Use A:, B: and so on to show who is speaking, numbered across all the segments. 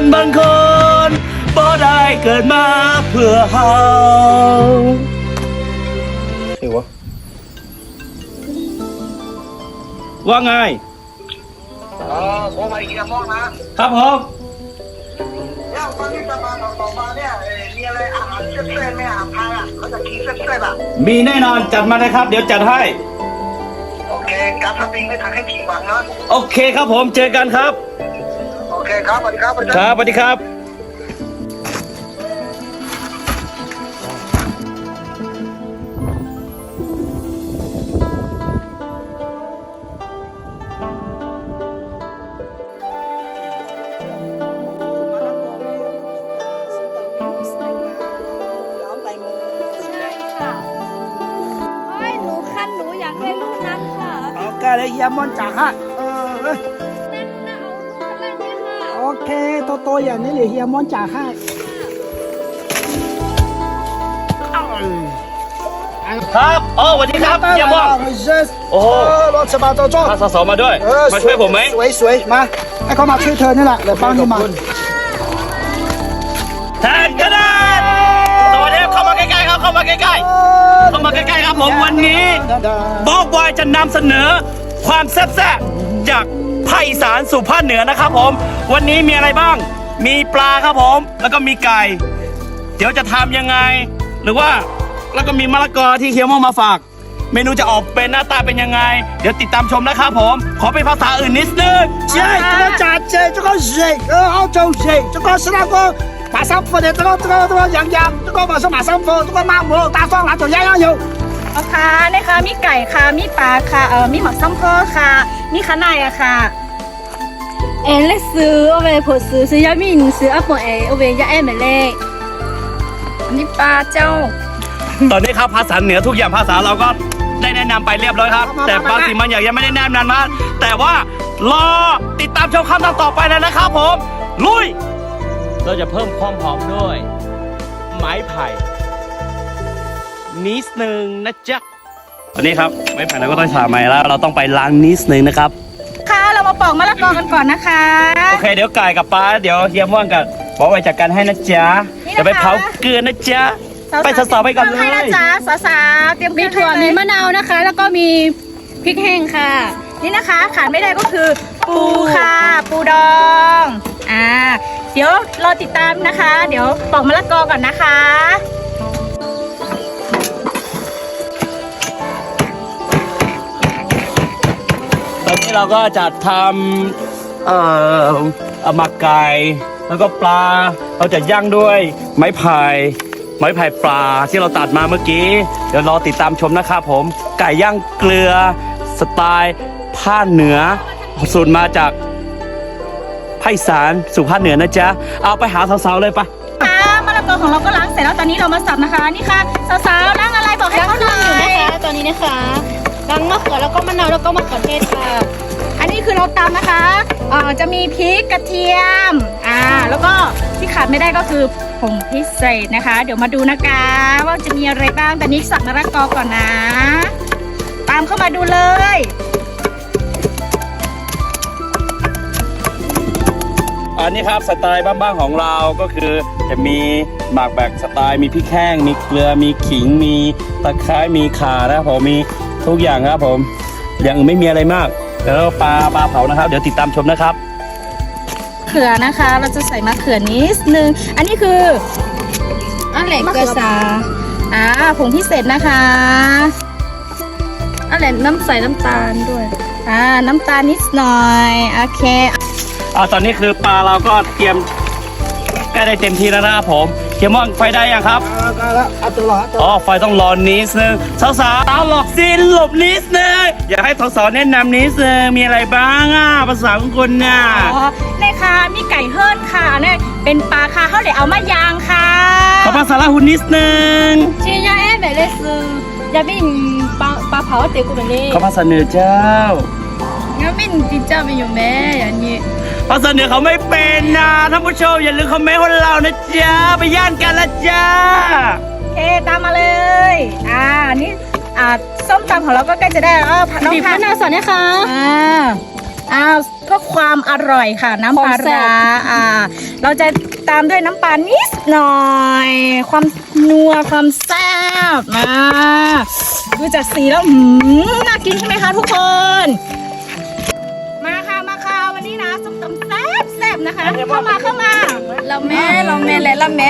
A: บางคนบ่ได้เกิดมาเพื่อเฮาใช่วะว่าไง
B: ผมมาอีกแล้วนะครับ
A: ผม
B: เนี่ยวันนี้จะมาต่อมาเนี่ยมีอะไรอาหารเส้นๆไหมอาหารไทยอ่ะเขาจะกินเส้นๆอ่ะ
A: มีแน่นอนจัดมาเลยครับเดี๋ยวจัดให้
B: โอเคการทำเองไม่ทำให้ผิดหวังนะ
A: โอเคครับผมเจอกันครับ
B: โอเคครับสวัสดีครับ
A: ครับสวัสดีครับ
C: หนูอยากได้ลูกนั้นค่ะ
D: โอเคเลยเยี่ยมอนจ๋าฮะ
C: นั่นน่ะเอาลูกนั้นเลยค่ะ
D: โอเคโตๆอย่างนี้เลยเฮียมอนจ๋าให้
A: ครับอ๋อสวัสดีครับเยี่ยมมากโอ้
D: รถสบายโจ้
A: พาสาวมาด้วยมาช่วยผมไหม
D: สวยๆมาให้เขามาช่วยเธอนี่แหละเดี๋ยวป้านี่มา
A: แทนกันนะสวัสดีครับเข้ามาใกล้ๆครับเข้ามาใกล้ๆเข้ามาใกล้ๆครับผมวันนี้บอกบอยจะนำเสนอความแซ่บๆจากภาคอีสานสู่ภาคเหนือนะครับผมวันนี้มีอะไรบ้างมีปลาครับผมแล้วก็มีไก่เดี๋ยวจะทำยังไงหรือว่าแล้วก็มีมะละกอที่เคี้ยวมาฝากเมนูจะออกเป็นหน้าตาเป็นยังไงเดี๋ยวติดตามชมนะครับผมขอเป็นภาษาอื่นนิดนึง
D: ใช่这个炸鸡这个肉澳洲肉这个是那个马上敷的这个羊这个马上敷这个马母大蒜辣椒样样有
C: ค่ะนะคะมีไก่ค่ะมีปลาค่ะมีหมักซ้ำพ่อค่ะมีข้างในอะค่ะ
E: เล็กซื้อเอาไปผดซื้อยามินซื้ออัปเปิลเอาไปยาไม่เล็ก
C: นี่ปลาเจ้า
A: ตอนนี้ครับภาษาเหนือทุกอย่างภาษาเราก็ได้แนะนำไปเรียบร้อยครับแต่บางสิ่งบางอย่างยังไม่ได้แนะนำนะแต่ว่ารอติดตามชมคำต่อไปเลยนะครับผมลุยเราจะเพิ่มความหอมด้วยไม้ไผ่นิดนึงนะจ๊ะวันนี้ครับไม้ไผ่เราก็ต้องฉาบใหม่แล้วเราต้องไปล้างนิดนึงนะครับ
C: ค่ะเรามาปอกมะละกอกันก่อนนะคะ
A: โอเคเดี๋ยวไก่กับปลาเดี๋ยวเฮียม่วงกับบอกไว้จัดการให้นะจ๊ะจะไปเผาเกลือนะจ๊ะไปสาวๆไปก่อนเลย
C: นะจ๊ะสาวๆเตรียม
E: มีถั่วมีมะนาวนะคะแล้วก็มีพริกแห้งค่ะ
C: นี่นะคะขาดไม่ได้ก็คือปูค่ะปูดองเดี๋ยวรอติดตามนะคะเดี๋ยวปอกมะละกอก่อนนะคะ
A: ตอนนี้เราก็จะทำหมักไก่แล้วก็ปลาเราจะย่างด้วยไม้ไผ่ปลาที่เราตัดมาเมื่อกี้เดี๋ยวรอติดตามชมนะครับผมไก่ย่างเกลือสไตล์ภาคเหนือสูตรมาจากภาคอีสานสู่ภาคเหนือนะจ๊ะเอาไปหาสาวๆเลยปะ
C: มะละกอของเราก็ล้างเสร็จแล้วตอนนี้เรามาสับนะคะนี่ค่ะสาวๆล้างอะไรบอกให้เขาหน่อย
E: อยู่นะคะตอนนี้นะคะล้างมะเขือแล้วก็มะนาวแล้วก็มะเขือเทศค่ะ
C: อันนี้คือเราตำนะคะจะมีพริกกระเทียมแล้วก็ที่ขาดไม่ได้ก็คือผงพิเศษนะคะเดี๋ยวมาดูนะคะว่าจะมีอะไรบ้างแต่นี้สับมะละกอก่อนนะตามเข้ามาดูเลย
A: อันนี้ครับสไตล์บ้านๆของเราก็คือจะมีหมักแบบสไตล์มีพริกแห้งมีเกลือมีขิงมีตะไคร้มีข่านะครับผมมีทุกอย่างครับผมอย่างอื่นไม่มีอะไรมากแล้วปลาเผานะครับเดี๋ยวติดตามชมนะครับ
C: เขือนะคะเราจะใส่มะเขือนิดนึงอันนี้คือ
E: อะไรเกลือซา
C: ผงพิเศษนะคะ
E: อะไรใส่น้ำตาลด้วย
C: น้ำตาลนิดหน่อยโอเค
A: ตอนนี้คือปลาเราก็เตรียมใกล้ได้เต็มที่แล้วนะครับผมเขียวม่วงไฟได้ยังครับ
D: ได้แล้ว
A: ไฟต้องรอนิดนึงสาวๆหลบซินหลบนิดนึงอยากให้สาวๆแนะนำนิดนึงมีอะไรบ้างภาษาของคุณเนี่ย
C: นี่ค่ะมีไก่เฮิร์นค่ะเนี่ยเป็นปลาค่ะเขาเดี๋ยวเอามายางค่ะ
A: ขอภาษาละหุ่นนิดนึง
E: ชิยาไม่เล็กซื้อยามินปลาเผาเตี๋ยวกูแบบนี้
A: ขอภาษาเหนือเจ้
E: ายามินจิเจ้าเป็นอยู่แม่อย่างนี้
A: ภาษาเหนือเขาไม่เป็นนะท่านผู้ชมอย่าลืมคอมเมนต์ของเรานะจ๊ะไปย่านกันละจ้า
C: โอเคตามมาเลยนี่ส้มตำของเราก็ใกล้จะได้แล้ว
E: บีบมะนาวสดนะคะ
C: เพื่อความอร่อยค่ะ น้ำปลาร้าเราจะตามด้วยน้ำปลานิดหน่อย ความนัวความแซ่บดูจากสีแล้วน่ากินใช่ไหมคะทุกคน มาค่ะวันนี้นะส้มตำแซ่บนะคะเข้ามา
E: เราแม่เราแม่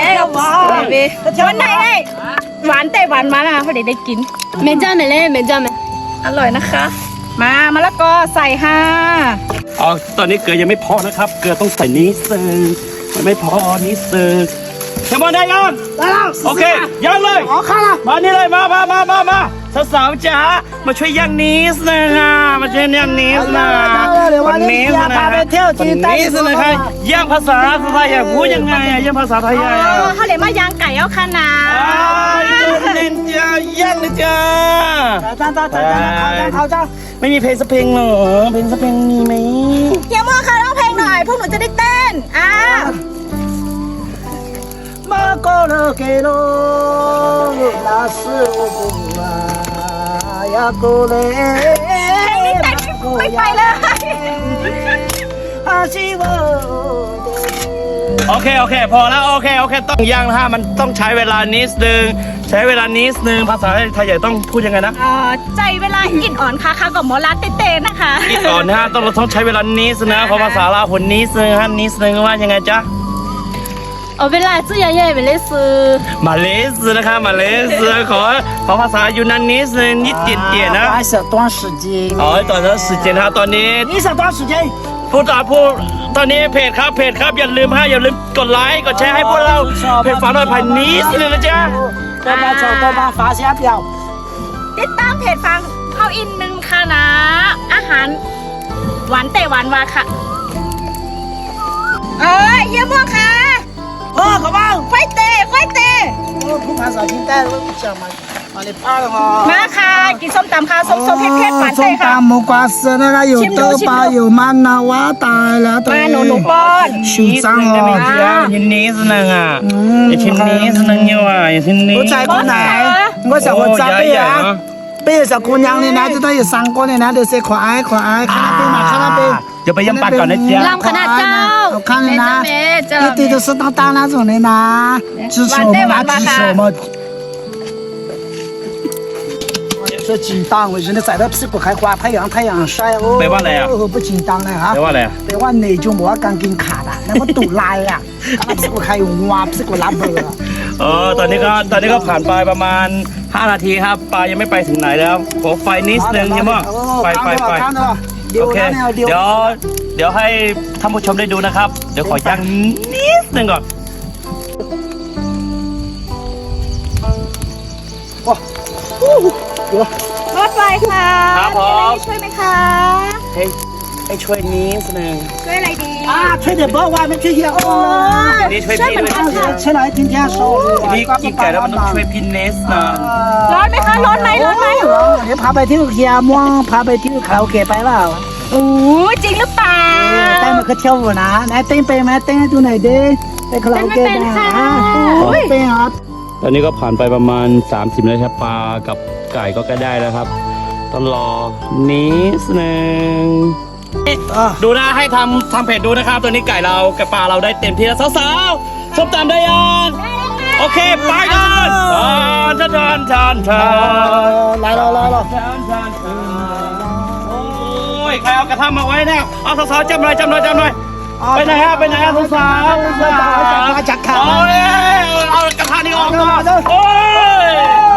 C: วันไหนหวานแต่หวานมาพอดีได้กิน
E: แม่จ้าแม่เล่แม่จ้าแม่
C: อร่อยนะคะ มะละกอใส่ค่ะ
A: อ๋อตอนนี้เกลือยังไม่พอนะครับเกลือต้องใส่นิดนึงมันไม่พอนิดนึงเชมอนได้ยัง
D: 来了，
A: โอเคย่างเลย
D: 好看了。
A: มานี่เลยมาสาวๆจ๋ามาช่วยย่างนิดนึงมาช่วยย่างนิดนึงวันนี้นะคะย่างภาษาไทยพูดยังไงย่างภาษาไทย
C: เขาเรียกว่ายางไก่เอาค่ะนะ
A: เล่นจ้าย่างเลยจ้า
D: 好的。
A: ไม่มีเพลงสักเพลงเหรอเพลงสักเพลงมีไหม
C: เฮียโมค่ะร้องเพลงหน่อยพวกหนูจะได้เต้น
D: 马高了给喽，那是我不啊呀过嘞。
C: ไม่ไปเลย
D: 阿西我。
A: โอเคพอแล้วโอเคต้องย่างนะฮะมันต้องใช้เวลานิดนึงภาษาไทยใหญ่ต้องพูดยังไงนะ
C: ใจเวลาอินอ่อนค่ะกับหมอลาเต้นนะคะ
A: อีกก่อนนะฮะต้องใช้เวลานิดนะเพราะภาษาลาวผลนิดนึงฮะนิดนึงว่ายังไงจ๊ะ
E: เอาเวลาซื้อยาใหญ่ไปเลยซื้อ
A: มาเลเซียนะคะมาเลเซียขอภาษายูนานนิดนึงนิดเดียวนะ
D: 还是短时间。
A: อ๋อตอนนั้น时间ฮะตอนนี้
D: 你是短时间？
A: พูดตอนนี้เพจครับอย่าลืมกดไลค์กดแชร์ให้พวกเราเพจฝากหน่อยผ่านนิดนึงนะจ๊ะ
D: 多帮发下表。
C: ติดตามเพจฟังเข้าอินนึงค่ะนะ อาหารหวานแต่หวานวาค่ะเฮียโมค่ะ
D: 好吧。
C: ไฟเตะ
D: 我不怕啥，现在我想嘛，把你扒了哈。
C: มาค่ะกินส้มตำค่ะส้มเผ็ดหวานเตะค่ะ
D: 木瓜丝那个有豆包有曼娜瓦达了，
C: มาหนูป้อน
D: 手上哦。
A: ชิ้นนิดนึงชิ้นนิดนึงอยู่ชิ้นนี้
D: 我在过来，我想我这边啊，边小姑娘的男子都有三个的男的是可爱，看那边嘛，看那边。
A: เดี๋ยวไปย่ำปากก่อนนะจ๊ะ
E: ลำขนาดเจ้า
D: 好看的呢，
E: แม่เจ้า
D: 一堆都是大大那种的呢，支持我们拿支持我们。这紧张，我现在晒到屁股还花太阳晒哦。
A: แปลว่าอะไรอ่ะ
D: 不紧张了哈
A: แปล。ว่าอะไรอ่ะ
D: แต่ว่าในจุงบอกว่าการกินขาดอ่ะแล้วมันตุลายอ่ะการพิกใครวาพิกรับเบอร์
A: ตอนนี้ก็ผ่านไปประมาณ5 นาทีครับปลายังไม่ไปถึงไหนแล้วขอไฟนิดนึงใช่ไหมไฟโอเคเดี๋ยวให้ท่านผู้ชมได้ดูนะครับเดี๋ยวขอย่างนิดนึงก่อน
C: รถไฟค่ะ
A: ครับผม
C: ช่วยไหมคะ
A: ให้ช่วยนิดนึง
C: ช่วยอะไรดี
D: 啊，吹点波外面去也哦。
A: นี่ช่วย
C: ช่วย
A: พี่
C: เหมือน
A: ด้วย
C: กันค่ะ
D: 出来今天说，
A: นี่กินไก่แล้วมันต้องช่วยพี่เนสนะ
C: ร้อนไหมคะร้อนไหม
D: 你爬ไปที่เฮียม่วงพาไปที่คาราโอเกะไปเปล่า
C: โอ้จริงหรือเปล่า
D: เต้นมันก็เที่ยวอยู่นะไหนเต้นไปไหมเต้นให้ดูหน่อยดิไปคาราโอเกะนะเต้นครับ
A: ตอนนี้ก็ผ่านไปประมาณ30นาทีครับปลากับไก่ก็ใกล้ได้แล้วครับต้องรอนิดนึงดูนะให้ทำเพจดูนะครับตัวนี้ไก่เรากับปลาเราได้เต็มที่แล้วสาวๆชมตามได้ยังโอเคไปกันทาน
D: 来了
A: โอ้ยใครเอากระทะมาไว้เนี่ยเอาสาวๆจำหน่อยไปไหนฮะสาวๆ
D: จักขา
A: เอากระทะนี่ออกก่อนโอ้ย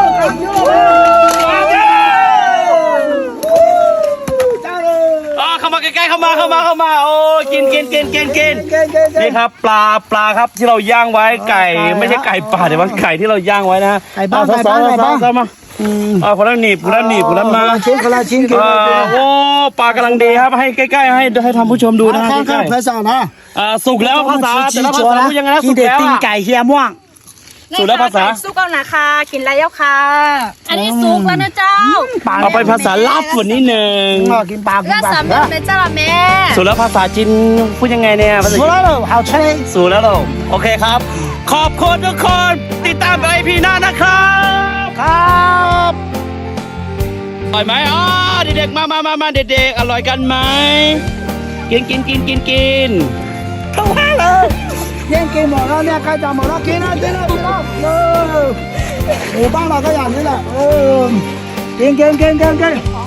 A: เข้ามาใกล้ๆเข้ามาโอ้กินนี่ครับปลาครับที่เราย่างไว้ไก่ไม่ใช่ไก่ป่าแต่ว่าไก่ที่เราย่างไว้นะสาวมาคนละหนีบคนละมา
D: คนละชิ้น
A: โอ้ปลากำลังดีครับให้ใกล้ๆให้ทำผู้ชมดูนะใกล้
D: ภาษานะ
A: ๆสุกแล้วภาษาแต่ละภาษาพูดยังไงนะ
D: กิ
A: สุ
D: น
A: ก
D: เด็ด
A: แล้ว
D: ตีนไก่เฮียม่วง
A: สุกแล้วภาษา
C: สู้ก่อนนะคะกินแล้วค่ะ
E: อันนี้สุกแล้วนะเจ้า
A: เอาไปภาษาลาบส่วนนิดนึง
D: กินปลากิน
E: แล้ว
D: ปลา
E: สามแม่เจ้าละแม่
A: สุกแล้วภาษาจีนพูดยังไงเนี่ยภาษา
D: สุ
A: จี
D: ด
A: น
D: แล้ว好吃嘞
A: สุกแล้วเหรอโอเคครับ ขอบคุณทุกคนติดตามไปพีหน้านะครับ
D: ครับ
A: อร่อยไหมเด็กๆมาเด็กๆอร่อยกันไหมกิน
D: เข้าห้าเลยเยังกินหมดแล้วเนี่ยใครจะหมดแล้วกินแล้วหมู่บ้านเราก็อย่างนี้แหละกิน